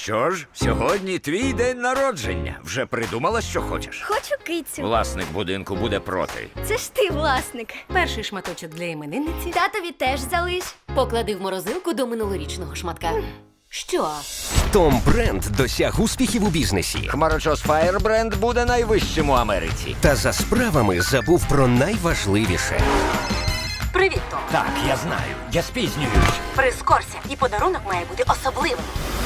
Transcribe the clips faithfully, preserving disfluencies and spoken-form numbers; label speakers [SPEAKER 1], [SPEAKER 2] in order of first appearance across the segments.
[SPEAKER 1] що ж, сьогодні твій день народження. Вже придумала, що хочеш?
[SPEAKER 2] Хочу кицю.
[SPEAKER 1] Власник будинку буде проти.
[SPEAKER 2] Це ж ти, власник.
[SPEAKER 3] Перший шматочок для іменинниці.
[SPEAKER 2] Татові теж залиш.
[SPEAKER 3] Поклади в морозилку до минулорічного шматка. Що?
[SPEAKER 4] Том Бренд досяг успіхів у бізнесі.
[SPEAKER 1] Хмарочос Firebrand буде найвищим у Америці.
[SPEAKER 4] Та за справами забув про найважливіше.
[SPEAKER 3] Привіт, Том.
[SPEAKER 1] Так, я знаю. Я спізнююсь.
[SPEAKER 3] Прискорся, і подарунок має бути особливим.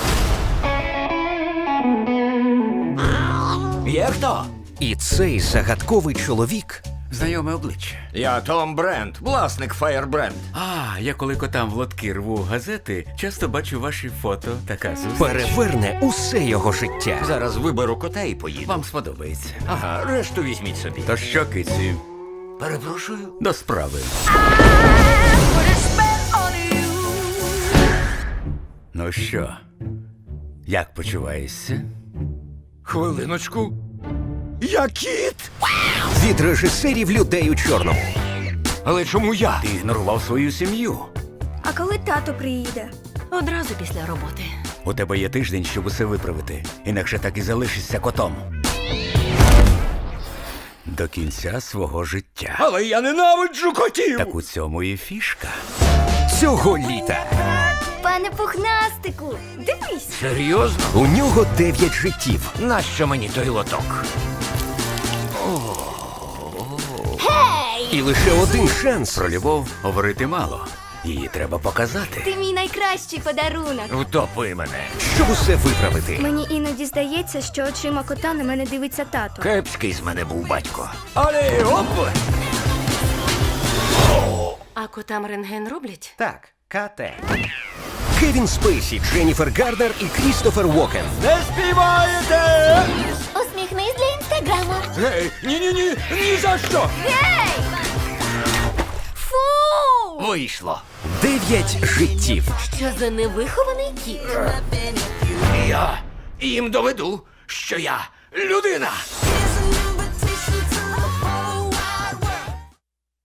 [SPEAKER 1] Є хто?
[SPEAKER 4] І цей загадковий чоловік
[SPEAKER 5] Знайоме обличчя.
[SPEAKER 1] Я Том Бренд, власник Firebrand.
[SPEAKER 5] А, я коли котам в лотки рву газети, часто бачу ваші фото. Така зустріч.
[SPEAKER 4] переверне усе його життя.
[SPEAKER 1] Зараз виберу кота і поїду.
[SPEAKER 5] Вам сподобається.
[SPEAKER 1] Ага, решту візьміть собі.
[SPEAKER 5] То що, киці,
[SPEAKER 1] Перепрошую.
[SPEAKER 5] до справи. Ну що, як почуваєшся?
[SPEAKER 1] Хвилиночку. Я кіт!
[SPEAKER 4] Від режисерів людей у чорному.
[SPEAKER 1] Але чому я?
[SPEAKER 5] Ти ігнорував свою сім'ю.
[SPEAKER 2] А коли тато приїде?
[SPEAKER 3] Одразу після роботи.
[SPEAKER 5] У тебе є тиждень, щоб усе виправити. Інакше так і залишишся котом. До кінця свого життя.
[SPEAKER 1] Але я ненавиджу котів!
[SPEAKER 5] Так у цьому і фішка.
[SPEAKER 4] Цього літа
[SPEAKER 2] Пане пухнастику, дивись.
[SPEAKER 1] Серйозно?
[SPEAKER 4] у нього дев'ять життів.
[SPEAKER 1] Нащо мені той лоток?
[SPEAKER 4] І лише один шанс
[SPEAKER 5] Про любов говорити мало. Її треба показати.
[SPEAKER 2] Ти мій найкращий подарунок.
[SPEAKER 1] Втопи мене.
[SPEAKER 4] щоб усе виправити.
[SPEAKER 2] Мені іноді здається, що очима кота на мене дивиться тато.
[SPEAKER 1] Кепський з мене був батько. Але оп!
[SPEAKER 3] А котам рентген роблять?
[SPEAKER 4] Так, КТ. Кевін Спейсі, Дженніфер Гарднер і Крістофер Уокен.
[SPEAKER 1] Не співаєте!
[SPEAKER 2] Усміхнись для інстаграму.
[SPEAKER 1] Гей, ні-ні-ні, ні за що!
[SPEAKER 2] Гей! Фу!
[SPEAKER 1] Вийшло.
[SPEAKER 4] Дев'ять життів.
[SPEAKER 3] Що за невихований кіт?
[SPEAKER 1] Я їм доведу, що я людина.